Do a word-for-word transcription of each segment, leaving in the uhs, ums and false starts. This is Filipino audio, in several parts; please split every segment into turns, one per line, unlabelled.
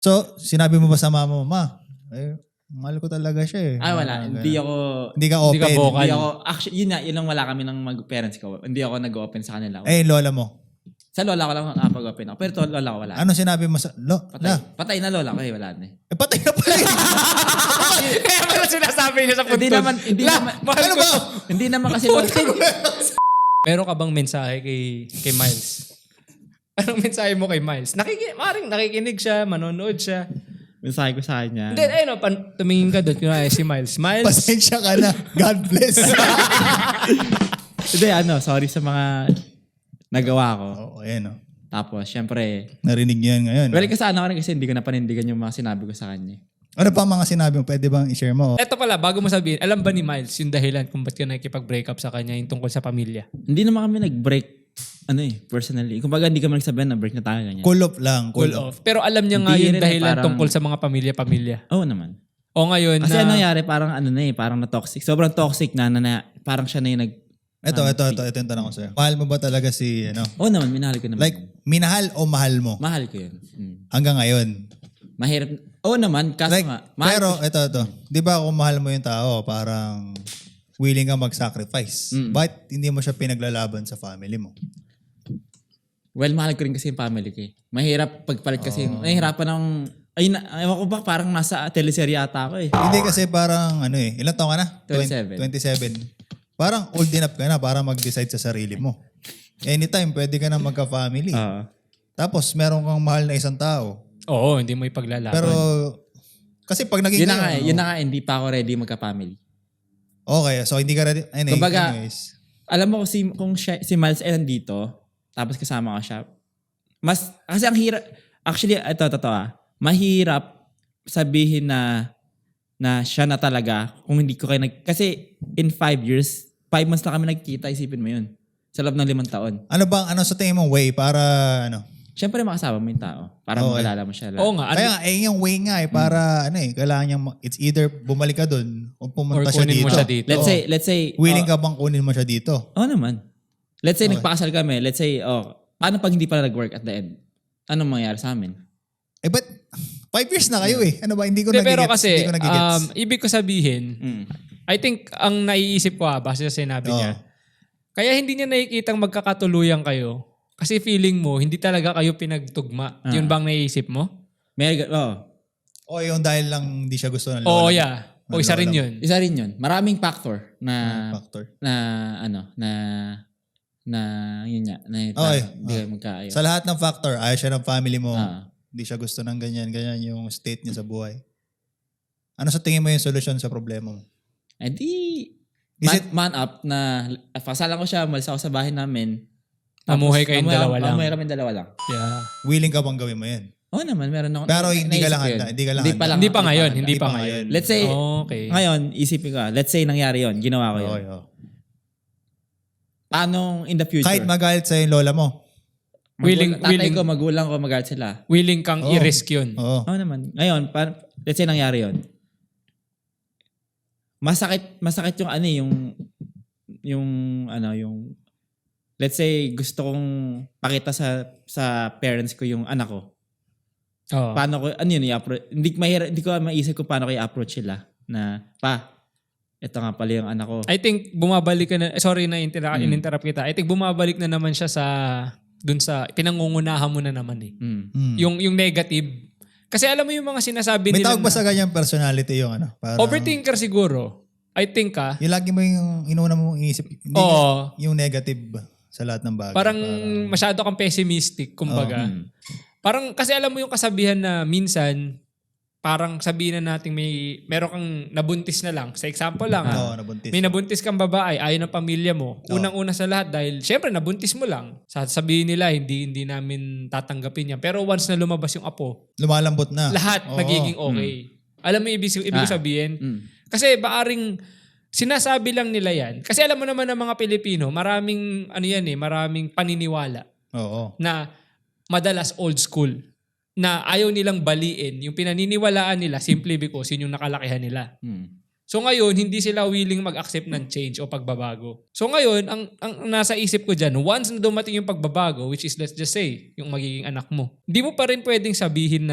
So, sinabi mo ba sa mama mo, ma, eh, mahal ko talaga siya eh.
Ah, wala.
Mga
Hindi
ganun.
ako...
Hindi ka open.
Hindi ka vocal.
Hindi ako... Actually, yun na. Yun lang wala kami ng mag-parents ko. Hindi ako nag-open sa kanila.
Eh, lola mo.
Sa lola ko lang nakapag-open ako. Pero to lola ko wala.
Ano sinabi mo sa... Lo,
Patay.
la.
Patay na lola ko eh. Wala na eh.
Eh, patay na pala yun.
Kaya pala sinasabi niya sa
Hindi
puntod.
naman... Hindi
La,
naman...
mahal
Ano
ko
ba?
to.
Hindi naman kasi lola.
Meron ka bang mensahe kay kay Miles? Anong mensahe mo kay Miles? Nakiki maring nakikinig siya, manonood siya.
Mensahe ko sa kanya.
Then ayun, pan tumingin ka doon kunwari si Miles. Miles.
Pasensya ka na. God bless.
Hindi, ano. Sorry sa mga nagawa ko.
Oo, oh, ayan o.
Tapos, syempre...
Narinig niyo yan ngayon.
Well, kasana ko rin kasi hindi ko napanindigan yung mga sinabi ko sa kanya.
Ano pa ang mga sinabi mo? Pwede bang i-share mo?
Eto pala, bago mo sabihin, alam ba ni Miles yung dahilan kung ba't ka nakikipag-break up sa kanya yung tungkol sa pamilya?
Hindi naman kami nag-break, ano eh, personally. Kung baga, hindi kami nagsabihan na break na tayo ganyan.
Cool off lang.
Cool off. Pero alam niya nga
Hindi
yung
rin eh,
dahilan
parang-
tungkol sa mga pamilya-pamilya.
Oo naman.
O ngayon
Kasi
na...
ano nangyari, parang ano na eh, parang na-toxic. Sobrang toxic na, na, na parang siya na yung nag...
Ito, ito, ito. Ito yung tanong ko sa'yo. Mahal mo ba talaga si, ano?
Oo naman, minahal ko naman.
Like, minahal o mahal mo?
Mahal ko yun. Hmm.
Hanggang ngayon.
Mahirap. Oo naman, kaso
Like,
nga. Mahal
pero,
ko siya.
ito, ito. Di ba kung mahal mo yung tao, parang willing ka mag-sacrifice.
Mm.
But hindi mo siya pinaglalaban sa family mo.
Well, mahal ko rin kasi yung family ko eh. Mahirap pagpalit kasi.
Oh.
Nahihirapan ng... Ay, na, ewan ko ba, parang nasa teleserye ata ako eh.
Hindi kasi parang, ano eh, ilang taon ka na?
twenty-seven.
twenty-seven. Parang old enough ka na para mag-decide sa sarili mo. Anytime, pwede ka na magka-family.
Oo.
Tapos, meron kang mahal na isang tao.
Oo, hindi mo ipaglalaban.
Pero, kasi pag naging
yun na nga eh,
ngayon,
yun na nga, hindi pa ako ready magka-family.
okay, so hindi ka ready. Anyway,
Kumbaga,
anyways.
Alam mo si, kung siya, si Miles ay nandito, tapos kasama ko siya, mas, kasi ang hirap, actually, ito, ito, ito ah, mahirap sabihin na, na siya na talaga, kung hindi ko kayo nag, kasi in five years, five months na kami nagkita, isipin mo yun. Sa loob ng limang taon.
Ano bang, ano sa tingin mong way para, ano?
Siyempre makasama mo yung tao. Para
Okay.
makalala mo siya.
Oo nga.
Kaya nga, eh, yung way nga eh, para, ano eh, kailangan niyang, ma- it's either bumalik ka dun o
Or
pumunta siya
kunin
dito.
mo siya dito.
Let's
Oo.
say, let's say,
Willing
oh,
ka bang kunin mo siya dito?
Oo naman. Let's say,
Okay.
nagpakasal kami. Let's say, oh, paano pag hindi pala nag-work at the end? Anong mangyayari sa amin?
Eh, but, five years na kayo eh. Ano ba, hindi ko
Hindi,
nagigets.
pero kasi,
hindi ko nagigets.
um, ibig ko sabihin,
Mm.
I think, ang naiisip ko ah, base sa sinabi
Oo.
niya, kaya hindi niya nakikitang magkakatuluyan kayo kasi feeling mo, hindi talaga kayo pinagtugma.
Ah.
Yun bang naiisip mo?
May, oh,
O yung dahil lang hindi siya gusto ng lola.
Oo,
mo.
yeah. O
Ng
isa rin
lola mo.
yun.
isa rin yun. Maraming factor na,
Factor.
na, ano, na, na, yun nga, na,
Okay.
hindi kayo magkaayos.
Sa lahat ng factor, ayaw siya ng family mo.
Ah.
Hindi siya gusto ng ganyan, ganyan yung state niya sa buhay. Ano sa tingin mo yung solusyon sa problema mo?
Eh di,
Is
man,
it-
man up na, pasalan ko siya, malis ako sa bahay namin.
Mamuhay kayong
mamuhay-
dalawa lang.
Mamuhay kami dalawa lang.
Yeah.
Willing ka bang gawin mo yan?
Oo naman, meron ako.
Pero
na-
hindi ka
naisip
lang
ko yun.
handa, hindi ka lang
Hindi
handa.
pa lang.
Hindi pa ngayon,
handa.
hindi pa
pa
ngayon.
Let's say,
Okay.
ngayon, isipin ko, let's say nangyari yon, ginawa ko yun.
Okay, oh.
Paano in the future?
Kahit magalit sa yung lola mo.
Magul-
willing,
tatay
willing,
ko, magulang ko, magalit sila.
willing kang
Oo.
i-risk yun.
Oo.
Oo naman. Ngayon, pa, let's say nangyari yon. Masakit, masakit yung ano eh, yung, yung, ano, yung, let's say, gusto kong pakita sa, sa parents ko yung anak ko.
Oo.
Paano ko, ano yun, i-approach, hindi, mahira, hindi ko maisip kung paano ko i-approach sila. Na, pa, ito nga pala yung anak ko.
I think bumabalik ka na, eh, sorry na intera-
Mm.
in-interrupt kita. I think bumabalik na naman siya sa, dun sa, pinangungunahan mo na naman eh.
Mm.
Hmm.
Yung, yung negative. Kasi alam mo yung mga sinasabi
May
nila
tawag ba
na-
sa ganyang personality yung ano? Parang,
overthinker siguro. I think ah.
Yung lagi mo yung inuna mong iisip. Hindi
Oo.
yung negative sa lahat ng bagay.
Parang masyado kang pessimistic, kumbaga.
Mm.
Parang kasi alam mo yung kasabihan na minsan, parang sabihin na natin may, meron kang nabuntis na lang. Sa example lang,
Oo,
ah,
nabuntis.
may nabuntis kang babae, ayaw ng pamilya mo.
Oo.
Unang-una sa lahat dahil syempre nabuntis mo lang. Sasabihin nila, hindi hindi namin tatanggapin yan. Pero once na lumabas yung apo,
Lumalambot na.
lahat
Oo.
magiging okay. Alam mo yung ibig, ibig
Ah.
sabihin?
Mm.
Kasi baaring sinasabi lang nila yan. Kasi alam mo naman ng mga Pilipino, maraming ano yan eh, maraming paniniwala
Oo.
na madalas old school na ayaw nilang baliin yung pinaniniwalaan nila simply because yun yung nakalakihan nila.
Mm.
So ngayon, hindi sila willing mag-accept ng change o pagbabago. So ngayon, ang, ang nasa isip ko dyan, once na dumating yung pagbabago, which is let's just say, yung magiging anak mo, hindi mo pa rin pwedeng sabihin na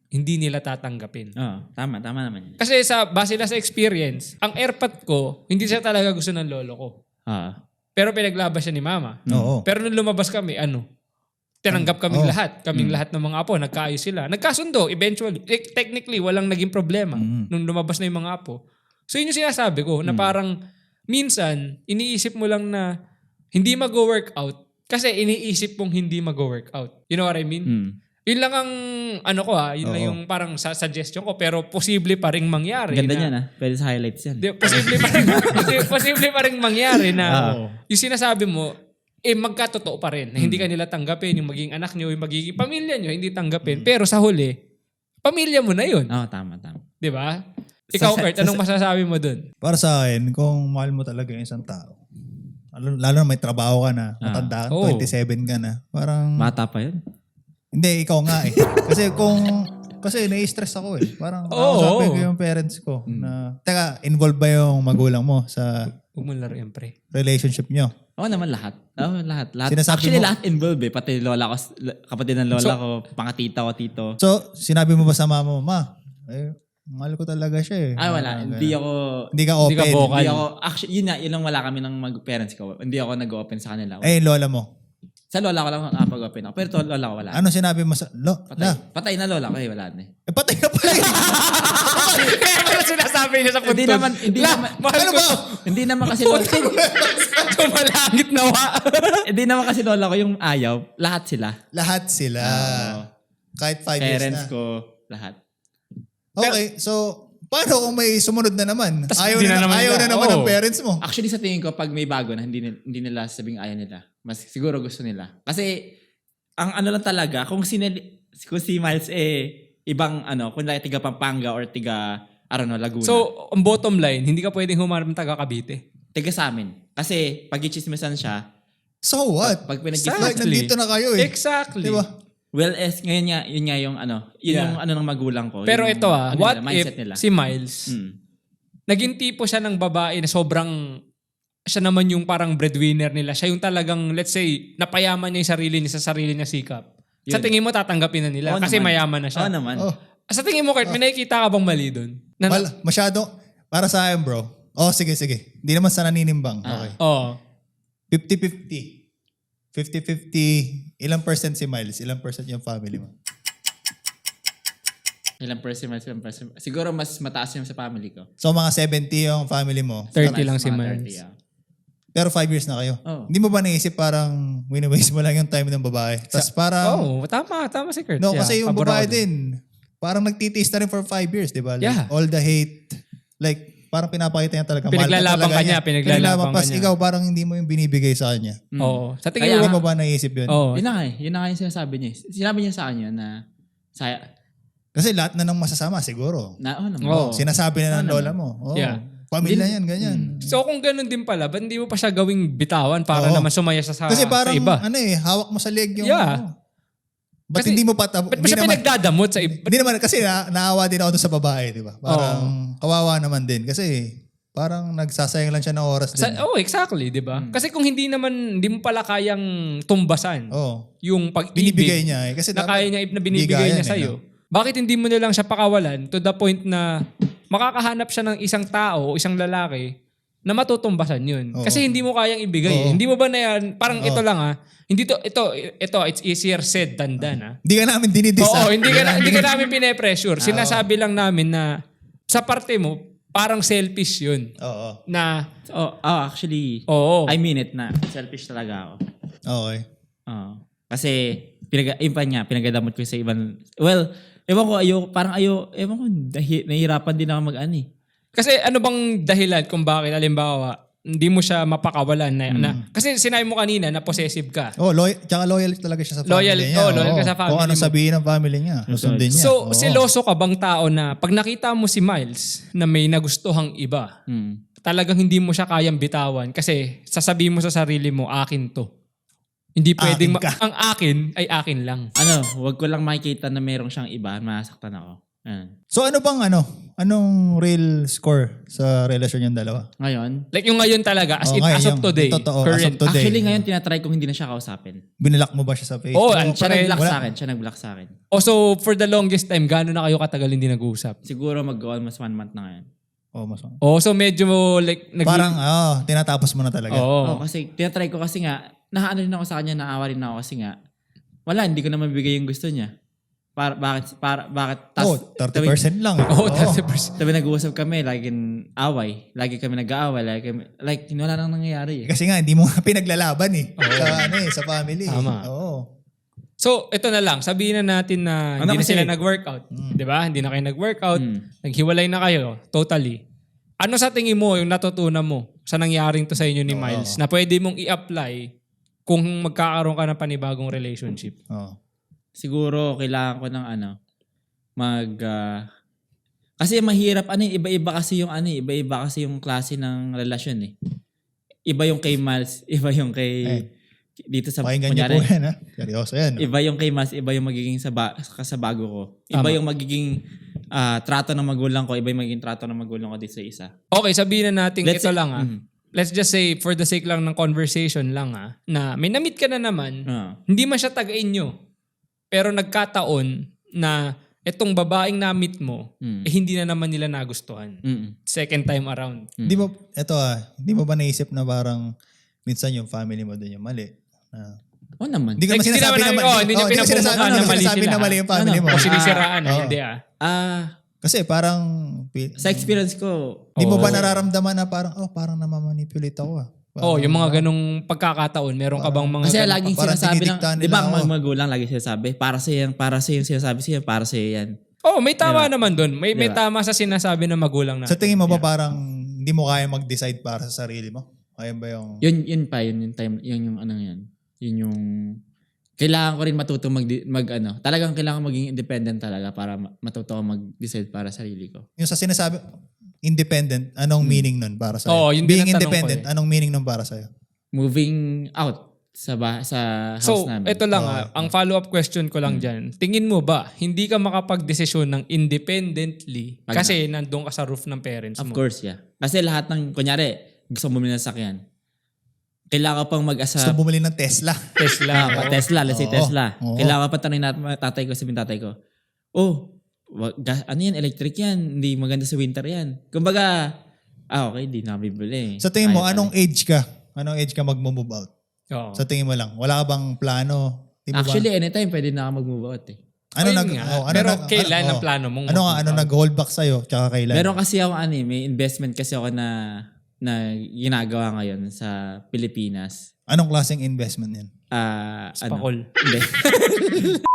hindi nila tatanggapin.
Oo, tama, tama naman yun.
Kasi sa base na sa experience, ang airpot ko, hindi siya talaga gusto ng lolo ko.
Oo.
Pero pinaglaban siya ni mama.
Oo.
Pero nung lumabas kami, ano, tinanggap kaming
Oh.
lahat. Kaming lahat ng mga apo, nagkaayos sila. Nagkasundo, eventually. Eh, technically, walang naging problema nung lumabas na yung mga apo. So yun yung sinasabi ko, na parang minsan, iniisip mo lang na hindi mag-workout kasi iniisip mong hindi mag-workout. You know what I mean?
Mm.
Yun lang ang, ano ko ha, yun lang
Oo.
yung parang sa suggestion ko, pero posible pa rin mangyari.
Ganda
na,
niyan ah. Pwede sa highlights yan.
Di, posible pa rin, posi- posible pa rin mangyari na
Oo.
yung sinasabi mo, eh magkatotoo pa rin. Na hindi ka nila tanggapin, yung magiging anak nyo, yung magiging pamilya nyo, hindi tanggapin. Pero sa huli, pamilya mo na yun.
Oo, tama, tama.
Di ba? Ikaw,
Sa-
Kurt, anong masasabi mo dun?
Para sa akin, kung mahal mo talaga yung isang tao, lalo, lalo na may trabaho ka na,
Ah.
matanda ka,
Oo.
twenty-seven ka na, parang,
Bata pa yun.
hindi, ikaw nga eh. Kasi kung, kasi nai-stress ako eh. Parang,
Oo.
kakausapin ko yung parents ko na, teka, involved ba yung magulang mo sa
Huwag mo laro yan, pre.
relationship nyo?
Oo naman lahat. Oo, lahat. lahat.
Sinasabi
Actually,
mo-
lahat involved eh. Pati lola ko, kapatid ng lola
So-
ko, pangatita ko, tito.
So, sinabi mo ba sa mama mo, ma, eh, mahal ko talaga siya eh.
Ay, wala.
Ah,
Hindi
ganun.
ako...
Hindi ka
Hindi ka
open.
vocal.
Hindi ako... Actually, yun na. Yun lang wala kami ng mag-parents ko. Hindi ako nag-open sa kanila.
Eh, lola mo.
Sa lola ko lang nakapag-open ako. Pero to lola ko wala.
Ano sinabi mo sa, lo,
Patay.
la,
Patay na lola ko eh. Wala na eh.
eh, patay na pala eh.
Kaya pala sinasabi niya sa
Hindi
puntod.
naman... Hindi
La,
naman...
mahal
Ano
ko.
ba?
Hindi naman kasi lola...
Sumalangit nawa.
Hindi naman kasi lola ko yung ayaw. Lahat sila.
Lahat sila.
Oo.
Kahit five years
Parents
na.
ko. Lahat.
Okay, so, paano kung may sumunod na naman?
Tas
Ayaw
hindi
na,
na naman
ayaw
nila.
na naman
Oo.
ng parents mo.
Actually, sa tingin ko, pag may bago na, hindi, nil- hindi nila sabing ayaw nila. Mas siguro gusto nila. Kasi, ang ano lang talaga, kung, sinili, kung si Miles eh, ibang ano, kung like, tiga Pampanga or tiga, I don't know, Laguna.
So, ang bottom line, hindi ka pwedeng humarap ng taga Cavite.
tiga sa amin. Kasi, pag i-chismisan siya,
So what?
pag
Like,
pinag-chismisan,
nandito na kayo eh.
Exactly.
Diba?
well, es, ngayon nga, yun nga yung ano, yun
Yeah.
yung ano ng magulang ko.
Pero
yung,
ito ah,
ano
what
nila,
if
mindset nila.
si Miles,
Hmm.
naging tipo siya ng babae na sobrang, siya naman yung parang breadwinner nila. Siya yung talagang, let's say, napayaman niya yung sarili niya sa sarili niya sikap. Sa
Yun.
tingin mo, tatanggapin na nila.
Oo
kasi
naman.
mayaman na siya.
Oo naman.
Oh,
Sa tingin mo, Kurt, may nakikita ka bang mali doon? Na,
wala, masyado, para sa akin bro. Oh, sige, sige. Hindi naman sa naninimbang.
Ah.
Okay.
Oo.
fifty-fifty. fifty-fifty. Ilang percent si Miles? Ilang percent yung family mo?
Ilang percent, ilang percent. Siguro mas mataas yung sa family ko.
So, mga seventy yung family mo.
thirty
Mas
lang si
mga
Miles.
thirty, ah.
Pero five years na kayo.
Oo.
Hindi mo ba naisip parang wini-waste mo lang yung time ng babae? Tapos parang,
Oo, tama. Tama si Kurt.
no,
Yeah,
kasi yung
pabor
babae
ako dun.
din, parang nagtitiis na rin for five years, di ba? Like,
Yeah.
all the hate, like, parang pinapakita niya talaga. mahal ka
Pinaglalaban
talaga
ka niya,
niya.
pinaglalaban ka
Pas
niya.
ikaw parang hindi mo yung binibigay sa kanya.
Mm.
Oo. Sa tingin
Kaya-
Hindi
mo,
mo ba naisip yun?
Oo.
Yun na nga eh. Yun na nga yung sinasabi niya. eh. Sinabi niya sa kanya na, sa,
Kasi lahat na ng masasama siguro.
na, oh, naman.
Oo.
Sinasabi na ng
Ano
lola mo. Oh,
Yeah.
Pamilya yan, ganyan.
So kung ganun din pala, ba't hindi mo pa siya gawing bitawan para
Oo.
naman sumaya siya sa,
Kasi parang,
sa iba?
ano eh, hawak mo sa leg yung,
Yeah.
ano. Ba't
Kasi-
hindi mo pa,
Ba't pa siya
naman,
pinagdadamot sa iba?
hindi naman, kasi na, naawa din ako dun sa babae, di ba? Parang, kawawa naman din. Kasi, parang nagsasayang lang siya ng oras
Sa,
din.
oh, exactly, di ba? Kasi kung hindi naman, hindi mo pala kayang tumbasan
Oh,
yung pag-ibig
binibigay niya eh. Kasi
na
dapat-
kaya niya, na binibigay
bigayan
niya
eh,
sa'yo.
no?
Bakit hindi mo na lang siya pakawalan to the point na makakahanap siya ng isang tao o isang lalaki na matutumbasan yun.
Oo.
Kasi hindi mo kayang ibigay. eh.
Oo.
Hindi mo ba na yan, parang
Oo.
ito lang ah, hindi to, ito, ito, it's easier said than done ah.
Hindi ka namin dinidis.
Oo,
ah.
hindi ka, na- hindi ka namin pine-pressure. Sinasabi lang namin na sa parte mo, parang selfish yun.
Oo.
Na,
Oh, oh, actually,
oo.
I mean it na. Selfish talaga ako.
Okay.
Oo. Kasi, pinag yun pa niya, pinagadamot ko sa ibang, well, ewan ko, ayo, parang ayo, ewan ko, dahi, nahihirapan din ako mag-ano eh.
Kasi ano bang dahilan kung bakit, alimbawa, hindi mo siya mapakawalan na,
Hmm.
na kasi sinabi mo kanina na possessive ka.
Oh, loyal, tsaka loyal talaga siya sa family
Loyal-
niya.
oh, loyal ka sa family
Kung ano
mo.
sabihin ng family niya, susundin niya.
So,
Oo.
seloso ka bang tao na pag nakita mo si Miles na may nagustuhang iba,
Hmm.
talagang hindi mo siya kayang bitawan kasi sasabihin mo sa sarili mo, akin to. Hindi pwedeng,
Akin ka.
ma- ang akin ay akin lang.
Ano, wag ko lang makikita na merong siyang iba, masaktan ako. Ah.
So ano bang ano? Anong real score sa relasyon yung dalawa?
Ngayon,
Like yung ngayon talaga, as
Oh,
in,
ngayon,
as of
yung
today.
totoo, as of
current.
today.
actually ngayon tinatry kong hindi na siya kausapin.
Binlock mo ba siya sa Facebook?
Oo,
Oh,
ang
Siya
Pare-
nag-block
wala.
sa akin. Siya nag-block sa akin.
Oh, so for the longest time, gaano na kayo katagal hindi nag-uusap?
Siguro mag-almost one month na ngayon.
Oh, mas
Oh, so medyo like... Nag-
Parang, oh, tinatapos mo na talaga.
Oo.
Oh, kasi tinatry ko kasi nga, nahaano rin ako sa kanya, naawa rin ako kasi nga, wala, hindi ko na mabigay yung gusto niya. Para, bakit, para, bakit,
Oh,
tas,
thirty percent lang.
Oo,
Oo.
thirty percent.
Sabi nag-uusap kami, laging away. Lagi kami nag-aaway. Lagi kami, like, wala nang nangyayari eh.
Kasi nga, hindi mo nga pinaglalaban eh. Sa, ano eh, sa family.
Tama.
Oo.
So, ito na lang. Sabihin na natin na
Ano
hindi na
kasi?
sila nag-workout. Di ba? Hindi na kayo nag-workout.
Mm.
Naghiwalay na kayo. Totally. Ano sa tingin mo yung natutunan mo sa nangyaring to sa inyo ni
Oo.
Miles na pwede mong i-apply kung magkakaroon ka ng panibagong relationship?
Oo.
Siguro, kailangan ko ng ano, mag, ah, kasi mahirap, ano eh, iba-iba kasi yung ano eh, iba-iba kasi yung klase ng relasyon eh. Iba yung kay Miles, iba yung kay,
Eh,
dito sa,
Pakinggan niyo po
kunyari,
yan, ha? Seryoso yan. no?
iba yung kay Miles, iba yung magiging sa, ba, sa bago ko. Iba
Tama.
yung magiging ah, trato ng magulang ko, iba yung magiging trato ng magulang ko dito sa isa.
Okay, sabihin na natin
Let's
ito
say-
lang ah.
Mm.
Let's just say, for the sake lang ng conversation lang ah, na may na-meet ka na naman,
Ah.
hindi man siya taga-inyo. Pero nagkataon na itong babaeng na-meet mo,
Mm.
eh hindi na naman nila nagustuhan.
Mm.
Second time around.
Di ba, eto ah, di mo ba naisip na parang minsan yung family mo din yung mali? Na,
Oo naman.
hindi ko naman
Like, hindi
sinasabi
naman
na
namin-
mali.
oh, hindi niyo
oh, ko
pinapumukha
sinasabi,
na
hindi ko
mali
sinasabi
sila.
na mali yung family
Ano?
mo.
O sinisiraan ah,
oo.
hindi ah.
Ah,
Kasi parang, pi-
sa experience ko,
di mo ba
Oo.
nararamdaman na parang, oh, parang namamanipulate ako ah.
Oh,
Parang,
yung mga ganong pagkakataon, meron ka bang mga
kasi
ganong-
laging
parang
sinasabi ng,
dinidiktahan
di ba
nila
ang
ako.
mga magulang lagi sinasabi, para sa yan, para sa yung sinasabi siya, para sa yan.
Oh, may tama
Diba?
naman doon. May may
Diba?
tama sa sinasabi ng magulang natin.
Sa tingin mo ba parang hindi mo kaya mag-decide para sa sarili mo? Kaya ba yung...
Yun, yun pa, yun yung time, yun yung ano yan. Yun yung, kailangan ko rin matuto mag, mag ano, talagang kailangan maging independent talaga para ma- matuto ako mag-decide para sa sarili ko.
Yung sa sinasabi, independent, anong meaning nun para sa'yo?
Oo, yun din
Being
ang tanong
independent,
ko eh.
anong meaning nun para sa'yo?
Moving out sa ba, sa house
So,
namin.
ito lang
Oo.
ah, ang follow-up question ko lang dyan. Tingin mo ba, hindi ka makapag-desisyon ng independently
Pag
kasi nandun ka sa roof ng parents
Of
mo?
course, yeah. Kasi lahat ng, kunyari, gusto mo bumili ng sakyan. Kailangan ko pang mag-asa.
Gusto bumili ng Tesla.
Tesla.
Ah, pa
oo.
Tesla, let's say
Oo.
Tesla.
Oo.
Kailangan pa tanongin natin mga tatay ko, sabihin tatay ko, oh, wag, gas, ano yan, electric yan, hindi maganda sa winter yan. Kumbaga, ah okay, di na bibili.
Sa tingin mo,
Ayaw
anong
pa
age ka? Anong age ka mag-move out?
Oo.
Sa tingin mo lang, wala ka bang plano? Di
rin.
mo ba-
Actually, anytime pwede na ako mag-move out eh.
ano
Ayun
nag,
nga.
oh, ano
Pero
nag-
kailan
ano,
ang
oh.
plano mong
Ano nga,
mag-move
ano
out?
nag-hold back sa'yo? Tsaka kailan?
Meron kasi ako ano eh, may investment kasi ako na na ginagawa ngayon sa Pilipinas.
Anong klaseng investment yan?
Ah, ano?
Spakol.
Hindi.